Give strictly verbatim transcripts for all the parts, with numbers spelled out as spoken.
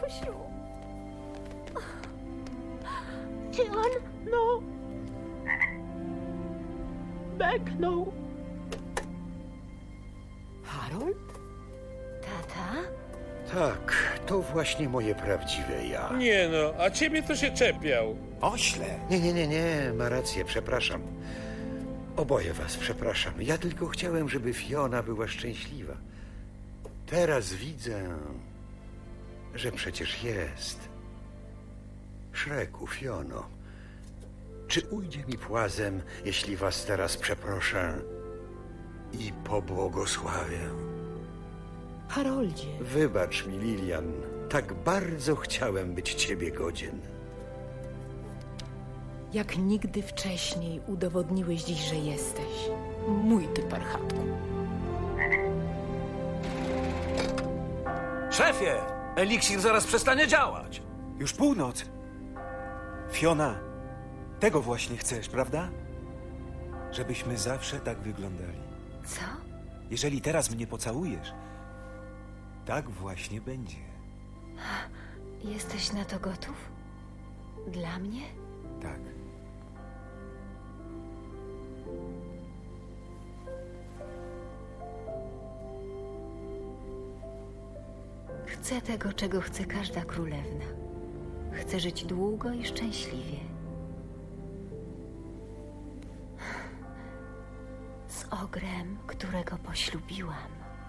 tatusiu. Czy on? No. Beknął. Harold? Tata? Tak, to właśnie moje prawdziwe ja. Nie no, a ciebie to się czepiał. Ośle. Nie, nie, nie, nie, ma rację, przepraszam. Oboje was przepraszam. Ja tylko chciałem, żeby Fiona była szczęśliwa. Teraz widzę, że przecież jest. Szreku, Fiono, czy ujdzie mi płazem, jeśli was teraz przeproszę i pobłogosławię? Haroldzie. Wybacz mi, Lilian, tak bardzo chciałem być ciebie godzien. Jak nigdy wcześniej udowodniłeś dziś, że jesteś. Mój ty parchatku. Szefie, eliksir zaraz przestanie działać. Już północ. Fiona, tego właśnie chcesz, prawda? Żebyśmy zawsze tak wyglądali. Co? Jeżeli teraz mnie pocałujesz, tak właśnie będzie. Jesteś na to gotów? Dla mnie? Tak. Chcę tego, czego chce każda królewna. Chcę żyć długo i szczęśliwie. Z ogrem, którego poślubiłam.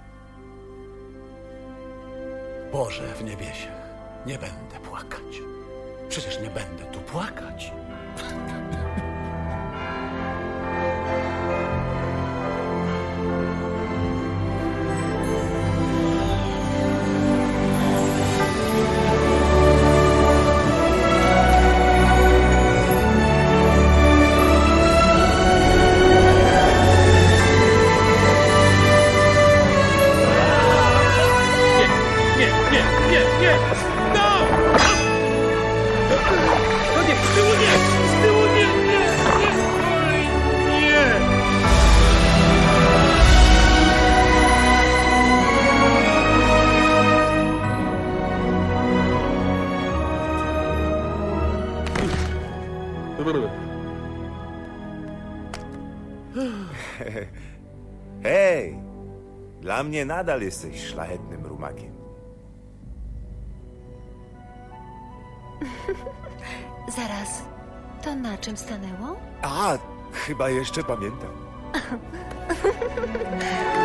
Boże w niebiesie, nie będę płakać. Przecież nie będę tu płakać. Nie, nie, nie, nie! No! No nie, z tyłu nie! Z tyłu nie, nie, nie! Oj, nie! Hej, dla mnie nadal jesteś szlachetnym rumakiem. Zaraz, to na czym stanęło? A, chyba jeszcze pamiętam.